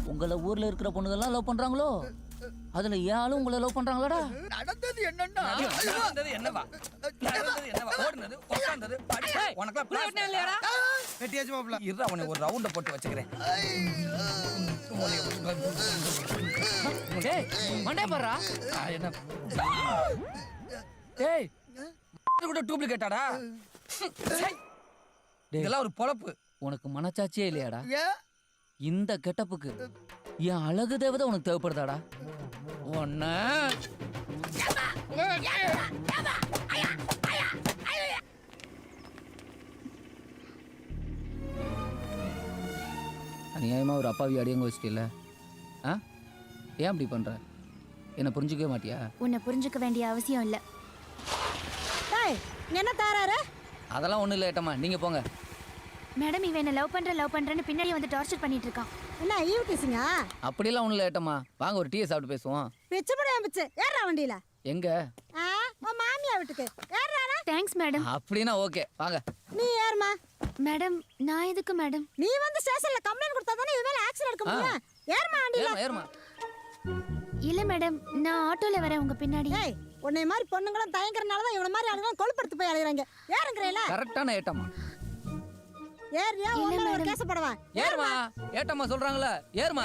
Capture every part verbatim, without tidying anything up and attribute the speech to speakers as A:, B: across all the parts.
A: உங்களை ஊர்ல இருக்கிற பொண்ணுங்கெல்லாம் லவ் பண்றாங்களோ? அதுல ஏன் ஆளும் உங்களை லவ் பண்றாங்களாடா?
B: நடந்தது என்னன்னா
C: நடந்தது என்னவா நடந்தது என்னவா ஓடுனது உட்கார்ந்தது உனக்கு பிளான் இல்லையாடா?
B: வெட்டியாச்சு மாப்ள.
C: இரு அவனை ஒரு ரவுண்ட போட்டு வச்சுக்கிறேன்.
A: டேய் மண்டே பாறா.
C: என்ன டேய் கூட டூப்ளிகேட்டாடா? இதெல்லாம் ஒரு பொழப்பு.
A: உனக்கு மனச்சாட்சியே இல்லையாடா?
B: ஏன்
A: இந்த கெட்டப்புக்கு என் அழகு தேவதை உனக்கு தேவைப்படுதாடா? ஒன்ன அநியாயமா ஒரு அப்பாவி அடியங்க வச்சிட்டில்ல? ஆ ஏன் அப்படி பண்ற? என்ன புரிஞ்சுக்கவே மாட்டியா?
D: உன்னை புரிஞ்சுக்க வேண்டிய அவசியம் இல்லை.
E: என்ன தாராரு?
A: அதெல்லாம் ஒண்ணும் இல்லை ஏட்டம்மா, நீங்க போங்க.
D: மேடம் இவன் என்ன லவ் பண்ற லவ் பண்றேன்னு பின்னாடி வந்து டார்ச்சர் பண்ணிட்டு இருக்கான்.
E: என்ன ஈவு பேசுங்க?
A: அப்படிலாம் ஒண்ணும் இல்லை ஏட்டம்மா, வாங்க ஒரு டீயை சாப்பிட்டு பேசுவோம்.
E: பிச்சு படம் பிச்சு ஏறா வண்டியில.
A: எங்க?
E: ஆ உன் மாமியா வீட்டுக்கு ஏறானா?
D: Thanks madam.
A: அப்படின்னா ஓகே வாங்க.
E: நீ ஏறுமா.
D: மேடம் நான் எதுக்கு மேடம்?
E: நீ வந்து ஸ்டேஷன்ல கம்ப்ளைண்ட் கொடுத்தா தானே இவன் மேல ஆக்ஷன் எடுக்க முடியும். ஏறுமா வண்டியில.
A: ஏறுமா ஏறுமா.
D: இல்ல மேடம் நான் ஆட்டோல வரேன் உங்க பின்னாடி.
E: ஏய் உன்னை மாதிரி பொண்ணுங்களும் தயங்கறனால தான் இவன மாதிரி ஆளுங்க கொழுப்படுத்து போய் அலையறாங்க. ஏறுங்கறேல.
A: கரெக்டான ஏட்டம்மா.
E: ஏறியா உன்ன ஒரு கேஸ் போடவா?
A: ஏறுமா. ஏட்டம்மா சொல்றாங்கல ஏறுமா.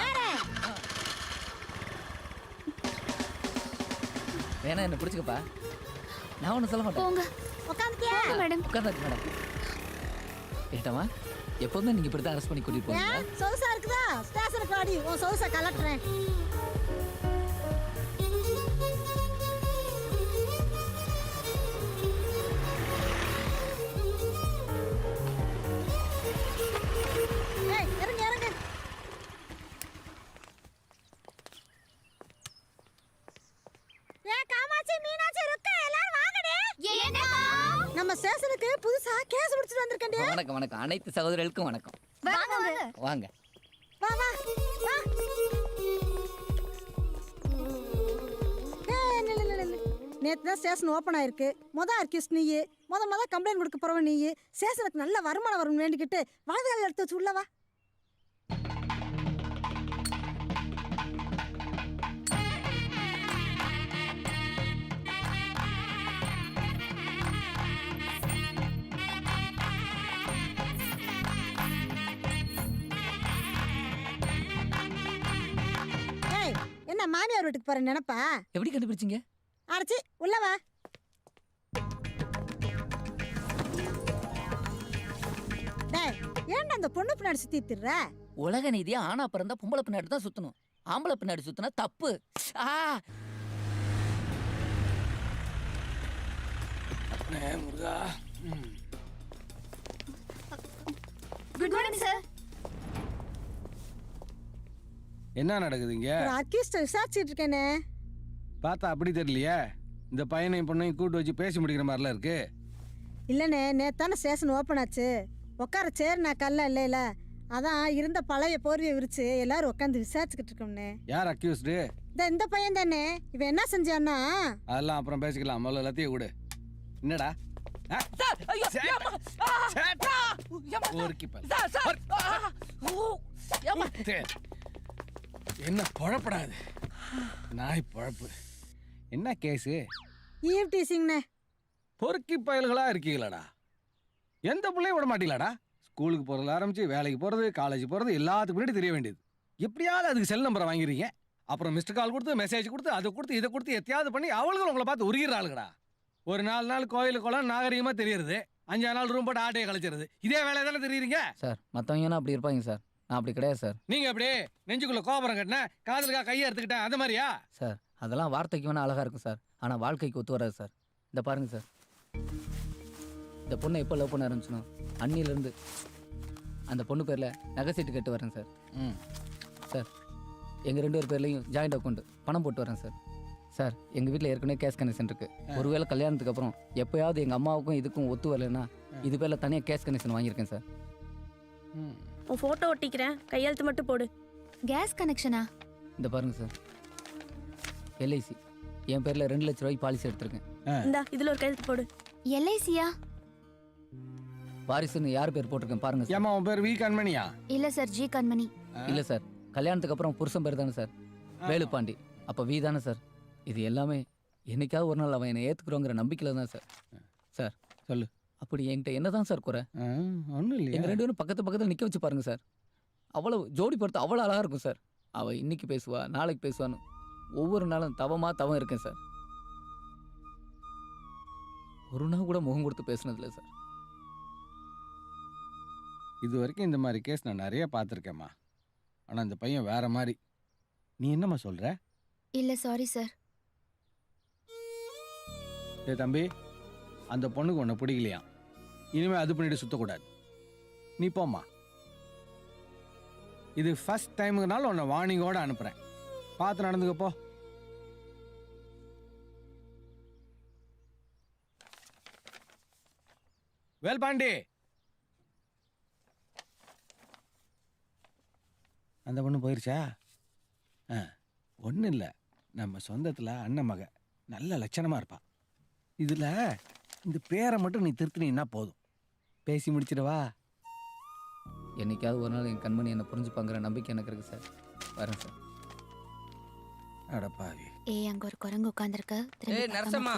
A: வேணா என்ன பிடிச்சுக்கப்பா, நான் ஒன்றும் சொல்ல மாட்டேன்.
D: போங்க
E: உட்காந்துட்டியா
D: மேடம்?
A: உட்கார்ந்தாச்சு மேடம். ஏட்டம்மா எப்போதுமே நீங்க இப்படி தான் அரெஸ்ட் பண்ணி கூட்டிட்டு போவீங்க?
E: ஏன் சொகுசா இருக்குதா? ஸ்டேஷனுக்கு வாடி, உன் சொகுசா கலட்டுறேன். ஏய் இறங்கு இறங்கு. ஏ காமாட்சி மீனாட்சி ருக்கா எல்லாரும் வாங்கடே. நம்ம ஸ்டேஷனுக்கு புதுசா கேஸ் முடிச்சிட்டு வந்திருக்கேன்டே.
A: வணக்கம் வணக்கம், அனைத்து சகோதரர்களுக்கும் வணக்கம்.
D: வாங்க வாங்க.
A: வாங்க
E: வா வா வா. ஏய் நில்லு நில்லு நில்லு. நேத்து தான் ஸ்டேஷன் ஓப்பன் ஆயிருக்கு. மொதல் அர்க்கிஸ்ட் நீ, மொத மொத கம்ப்ளைண்ட் கொடுக்க போறவன் நீ. ஸ்டேஷனுக்கு நல்ல வருமானம் வரும்னு வேண்டிக்கிட்டு வலதுகால எடுத்து வச்சு உள்ள வா. ஏய் என்ன மாமியார் வீட்டுக்கு போற நினைப்பா?
A: எப்படி கண்டுபிடிச்சீங்க?
E: அரைச்சி உள்ள வா. டேய் ஏன்டா அந்த பொண்ணு பின்னாடி சுத்தி திர்ற?
A: உலக நீதியா ஆனா பிறந்தா பொம்பளை பின்னாடி தான் சுத்தணும், ஆம்பளை பின்னாடி சுத்தினா தப்பு. ஆ
C: முருகா.
D: Good morning sir.
F: என்ன நடக்குதுங்க?
E: ஒரு அர்க்கிஸ்ட் விசாரிச்சிட்டு இருக்கேனே.
F: பார்த்தா அப்படி தெரியலையே. இந்த பையனையும் பொண்ணையும் கூட்டு வச்சு பேசி முடிக்கிற மாதிரிலாம் இருக்கு.
E: இல்லைண்ணே நேத்தான ஸ்டேஷன் ஓப்பன் ஆச்சு. உட்கார சேர் நான் கல்ல இல்லைல, அதான் இருந்த பழைய போர்வையை விரிச்சு எல்லாரும் உட்காந்து விசாரிச்சுக்கிட்டு இருக்கோம்னே.
F: யார் அக்யூஸ்டு?
E: இந்த இந்த பையன் தானே. இவன் என்ன செஞ்சான்னா?
F: அதெல்லாம் அப்புறம் பேசிக்கலாம், முதல்ல எல்லாத்தையும் விடு. என்னடா ஆ?
A: சார் ஐயோ ஏம்மா. ஆ,
F: சேட்டா.
A: ஏம்மா.
F: ஊருக்கு பாரு.
A: சார் சார் ஆ, ஓ, ஏம்மா.
F: சரி. என்ன பொழப்படாது நாய் பொழப்பு. என்ன கேஸு?
E: ஈவ் டீசிங்ண்ணே.
F: பொறுக்கி பயல்களா இருக்கீங்களாடா? எந்த பிள்ளையும் விட மாட்டீங்களாடா? ஸ்கூலுக்கு போகிறதுல ஆரம்பிச்சு வேலைக்கு போகிறது, காலேஜ் போகிறது எல்லாத்துக்கு முன்னாடி தெரிய வேண்டியது. எப்படியாவது அதுக்கு செல் நம்பரை வாங்கிறீங்க, அப்புறம் மிஸ்டு கால் கொடுத்து மெசேஜ் கொடுத்து அதை கொடுத்து இதை கொடுத்து எத்தையாவது பண்ணி அவளுக்கு உங்களை பார்த்து உருகிறாளுங்கடா. ஒரு நாலு நாள் கோயிலுக்கு குளம் நாகரிகமாக தெரியுறது, அஞ்சாறு நாள் ரூம் போட்டு ஆட்டையை கழிச்சிருது. இதே வேலையை தானே தெரியுறீங்க
A: சார் மற்றவங்கன்னா அப்படி இருப்பாங்க சார், நான் அப்படி கிடையாது சார்.
F: நீங்கள் அப்படியே நெஞ்சுக்குள்ளே கோபுரம் கட்டினேன், காதலுக்காக கையை எடுத்துக்கிட்டேன், அந்த மாதிரியா?
A: சார் அதெல்லாம் வார்த்தைக்கு வேணால் அழகாக இருக்கும் சார், ஆனால் வாழ்க்கைக்கு ஒத்து வராது சார். இந்த பாருங்க சார், இந்த பொண்ணை எப்போ லவ் பண்ண ஆரம்பிச்சணும் அன்னிலேருந்து அந்த பொண்ணு பேரில் நகை சீட்டு கட்டு வரேன் சார்.
F: ம்
A: சார் எங்கள் ரெண்டு பேர் பேர்லையும் ஜாயிண்ட் அக்கௌண்ட் பணம் போட்டு வரேன் சார். சார் எங்கள் வீட்டில் ஏற்கனவே கேஷ் கனெக்ஷன் இருக்குது. ஒருவேளை கல்யாணத்துக்கு அப்புறம் எப்போயாவது எங்கள் அம்மாவுக்கும் இதுக்கும் ஒத்து வரலைன்னா இது பேரில் தனியாக கேஷ் கனெக்ஷன் வாங்கியிருக்கேன் சார்.
F: ம்
G: உன் ஃபோட்டோ ஒட்டிக்கிறேன், கையெழுத்து மட்டும் போடு.
D: கேஸ் கனெக்ஷனா?
A: இந்த பாருங்க சார், எல்ஐசி என் பேரில் ரெண்டு லட்ச ரூபாய்க்கு பாலிசி எடுத்திருக்கேன்.
G: இந்தா இதுல ஒரு கையெழுத்து போடு.
D: எல்ஐசியா?
A: வாரிசுன்னு யார் பேர் போட்டிருக்கேன் பாருங்க சார்.
F: ஏமா உன் பேர் வி கண்மணியா?
D: இல்ல சார், ஜி கண்மணி.
A: இல்லை சார், கல்யாணத்துக்கு அப்புறம் புருஷன் பேர் தானே சார் வேலுப்பாண்டி. அப்போ வி தானே சார். இது எல்லாமே என்னைக்காவது ஒரு நாள் அவன் என்னை ஏற்றுக்குறோங்கிற நம்பிக்கையில் தான் சார். சார்
F: சொல்லு.
A: அப்படி என்கிட்ட என்ன தான் சார் குறை?
F: ஒன்றும் இல்லையா?
A: எங்கள் ரெண்டு பேரும் பக்கத்து பக்கத்தில் நிற்க வச்சு பாருங்க சார். அவ்வளோ ஜோடி பொறுத்து அவ்வளோ அழகாக இருக்கும் சார். அவள் இன்னைக்கு பேசுவா, நாளைக்கு பேசுவான்னு ஒவ்வொரு நாளும் தவமாக தவம் இருக்கேன் சார். ஒரு நாள் கூட முகம் கொடுத்து பேசுனதில்லை சார்.
F: இது வரைக்கும் இந்த மாதிரி கேஸ் நான் நிறைய பார்த்துருக்கேம்மா. ஆனால் இந்த பையன் வேற மாதிரி. நீ என்னம்மா சொல்ற?
D: இல்ல சாரி சார்.
F: ஏ தம்பி, அந்த பொண்ணுக்கு உன்னை பிடிக்கலையா? இனிமே அது பண்ணிட்டு சுத்தக்கூடாது. நீ போம்மா. இது ஃபர்ஸ்ட் டைமுக்குனால உன்னை வார்னிங்கோட அனுப்புறேன். பார்த்து நடந்துக்க போ. வேல்பாண்டி, அந்த பொண்ணு போயிருச்சா? ஆ, ஒன்றும் இல்லை. நம்ம சொந்தத்தில் அண்ணன் மக நல்ல லட்சணமாக இருப்பா. இதில் இந்த பேரை மட்டும் நீ திருத்தினீன்னா போதும். பேசி முடிச்சிடவா?
A: என்னைக்காவது ஒரு நாள் என் கண்மணி என்னை புரிஞ்சுப்பாங்கிற நம்பிக்கை எனக்கு இருக்கு சார். வரேன் சார்.
F: அடப்பாவி.
D: ஏய் அங்க ஒரு குரங்கு உட்கார்ந்திருக்க.
C: ஏய் நரசம்மா,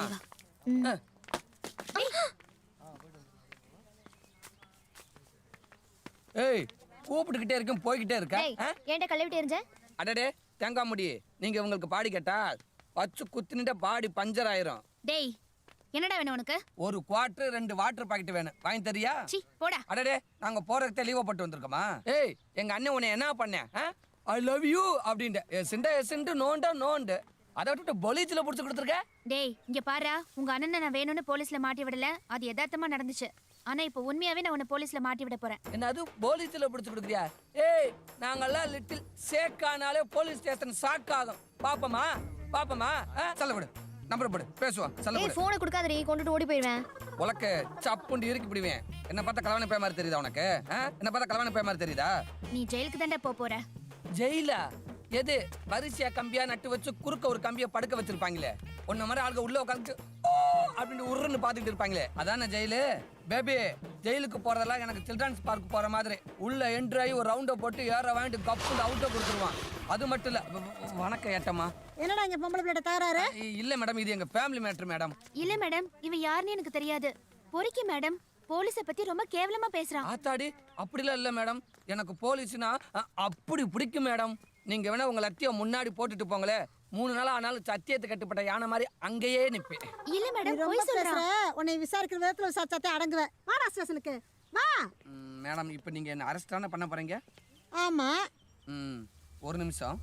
C: ஏய் கூப்பிட்டுக்கிட்டே இருக்கேன், போய்கிட்டே இருக்க.
D: ஏன்டா கழுவிட்டு எரிஞ்ச?
C: அடடே தேங்காய் முடி, நீங்க உங்களுக்கு பாடி கேட்டா வச்சு குத்துனிட்ட பாடி பஞ்சர் ஆயிரும்.
D: டேய் என்னடா வேணும் உனக்கு?
C: ஒரு குவார்டர் ரெண்டு வாட்டர் பாக்கெட் வேணும், வாங்கி தரியா?
D: சி போடா.
C: அடடே நாங்க போறதுக்கு லீவ் போட்டு வந்திருக்கோமா? ஏய் எங்க அண்ணன் உன்னை என்ன பண்ண? ஐ லவ் யூ அப்படின்ட்டு எசிண்ட எசிண்டு நோண்டா நோண்டு அதை விட்டுட்டு பொலிச்சில புடிச்சு கொடுத்துருக்க.
D: டேய் இங்க பாருடா, உங்க அண்ணனை நான் வேணும்னு போலீஸ்ல மாட்டி விடல. அது யதார்த்தமா நடந்துச்சு. ஆனா இப்போ உண்மையாவே நான் உன்னை போலீஸ்ல மாட்டி விட போறேன்.
C: என்ன அது போலீஸ்ல புடிச்சு கொடுக்குறியா? ஏய் நாங்கெல்லாம் லிட்டில் சேக்கானாலே போலீஸ் ஸ்டேஷன் ஷாக் ஆகும். பாப்பமா பாப்பமா சொல்ல விடு, நம்பர் போடு, பேசுவோம். சொல்ல
D: ஏய்
C: விடு.
D: போனை கொடுக்காதடி, கொண்டுட்டு ஓடி போயிடுவேன்.
C: உலக்க சப்புண்டு இறுக்கி பிடிவேன். என்ன பார்த்தா கலவான பே மாதிரி தெரியுதா உனக்கு? என்ன பார்த்தா கலவான பே மாதிரி தெரியுதா?
D: நீ ஜெயிலுக்கு தான்டா போக போற.
C: ஜெயிலா? எது வரிசையா கம்பியா நட்டு வச்சு குறுக்க ஒரு கம்பியை படுக்க வச்சிருப்பாங்களே, உன்ன மாதிரி ஆளுங்க உள்ள உட்காந்து அப்படின்னு உருன்னு பாத்துட்டு இருப்பாங்களே, அதான ஜெயிலு? பேபி ஜெயிலுக்கு போறதெல்லாம் எனக்கு சில்ட்ரன்ஸ் பார்க் போற மாதிரி உள்ள என்ட்ரி ஆகி ஒரு ரவுண்டை போட்டு ஏற வாங்கிட்டு கப்பு அவுட்டை கொடுத்துருவான். அது மட்டும் இல்ல. வணக்கம் ஏட்டம்மா.
E: என்னடா இங்க பொம்பளை பிள்ளை தகராறு?
C: இல்ல மேடம், இது எங்க ஃபேமிலி மேட்டர் மேடம்.
D: இல்ல மேடம், இவன் யாருன்னு எனக்கு தெரியாது. பொறுக்கி மேடம், போலீஸ பத்தி ரொம்ப கேவலமா பேசுறான்.
C: ஆத்தாடி அப்படிலாம் இல்ல மேடம், எனக்கு போலீஸ்னா அப்படி பிடிக்கும் மேடம். நீங்க வேணா உங்க லத்திய முன்னாடி போட்டுட்டு போங்களே, மூணு நாள் ஆனாலும் சத்தியத்தை கட்டுப்பட்ட யானை மாதிரி அங்கேயே நிப்பேன்.
D: இல்ல
E: நீ
D: மேடம்,
E: ரொம்ப
D: போய்
E: பேசுற.
D: சொல்றான்.
E: உன்னை விசாரிக்கிற விதத்துல விசாரிச்சாத்தே அடங்குவேன். வாடா ஸ்டேஷனுக்கு வா.
C: ம், மேடம் இப்போ நீங்க என்ன அரெஸ்ட் தானே பண்ண போறீங்க?
E: ஆமா.
C: ம், ஒரு நிமிஷம்.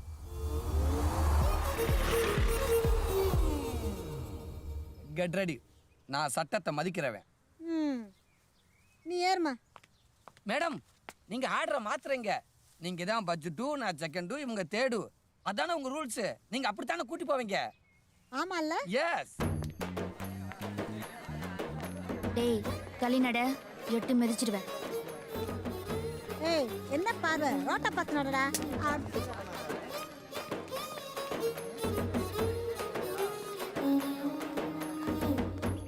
C: Get ready. நான் சட்டத்தை மதிக்கிறவன்.
E: ம் நீ ஏறுமா.
C: மேடம் நீங்க ஆர்டரை மாத்துறீங்க. நீங்க தான் பட்ஜெட்டு, நான் செகண்டு, இவங்க தேடு. அதானே உங்க ரூல்ஸ். நீங்க அப்படித்தானே கூட்டி போவீங்க.
E: ஆமால்ல?
C: எஸ்.
D: டேய் கலிநட, எட்டு மிதிச்சிடுவேன்.
E: ஏய் என்ன பார்வை, ரோட்டை பார்த்து நடடா.